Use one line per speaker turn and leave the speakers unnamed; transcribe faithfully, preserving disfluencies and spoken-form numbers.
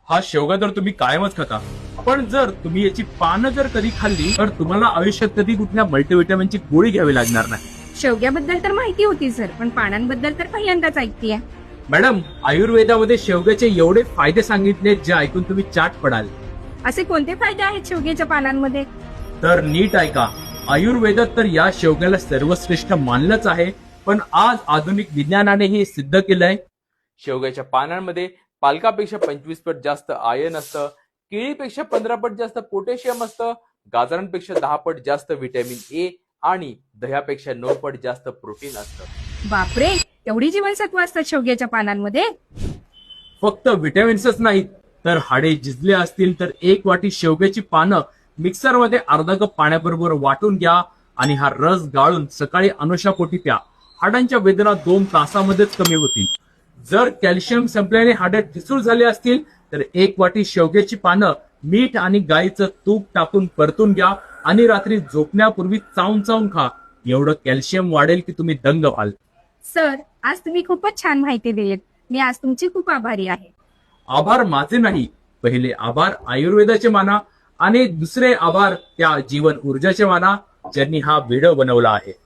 हा शेवगा तर तुम्ही कायमच खाता, पण जर तुम्ही याची पानं जर कधी खाल्ली तर तुम्हाला आयुष्यात कधी कुठल्या मल्टीव्हिटॅमिनची गोळी घ्यावी लागणार नाही.
शेवग्याबद्दल तर माहिती होती सर, पण पानांबद्दल तर पहिल्यांदाच ऐकतेय.
मॅडम, आयुर्वेदामध्ये शेवग्याचे एवढे फायदे सांगितले जे ऐकून तुम्ही चाट पडाल.
असे कोणते फायदे आहेत शेवग्याच्या पानांमध्ये?
तर नीट ऐका. आयुर्वेदात तर या शेवग्याला सर्वश्रेष्ठ मानलंच आहे, पण आज आधुनिक विज्ञानाने हे सिद्ध केलंय. शेवग्याच्या पानांमध्ये पालकापेक्षा पंचवीस पट जास्त आयर्न असतं, केळीपेक्षा पंधरा पट जास्त पोटॅशियम असतं, गाजरांपेक्षा दहा पट जास्त व्हिटॅमिन ए आणि दह्यापेक्षा नऊ पट जास्त प्रोटीन असतं.
बापरे, एवढी जीवनसत्व असतात शेवग्याच्या पानांमध्ये?
फक्त विटॅमिन्सच नाहीत, तर हाडे झिजले असतील तर एक वाटी शेवग्याची पानं मिक्सरमध्ये अर्धा कप पाण्याबरोबर वाटून घ्या आणि हा रस गाळून सकाळी अनुशापोटी प्या. हाडांच्या वेदना दोन तासामध्येच कमी होतील. जर कॅल्शियम संपल्याने हाडे ठिसूळ झाले असतील तर एक वाटी शेवग्याची पानं मीठ आणि गाईचं तूप टाकून परतून घ्या आणि रात्री झोपण्यापूर्वी चावून चावून खा. एवढं कॅल्शियम वाढेल की तुम्ही दंग व्हाल.
सर, आज तुम्ही खूपच छान माहिती दिलीत. मी आज तुमची खूप आभारी आहे.
आभार माझे नाही, पहिले आभार आयुर्वेदाचे माना आणि दुसरे आभार त्या जीवन ऊर्जाचे माना ज्यांनी हा व्हिडिओ बनवला आहे.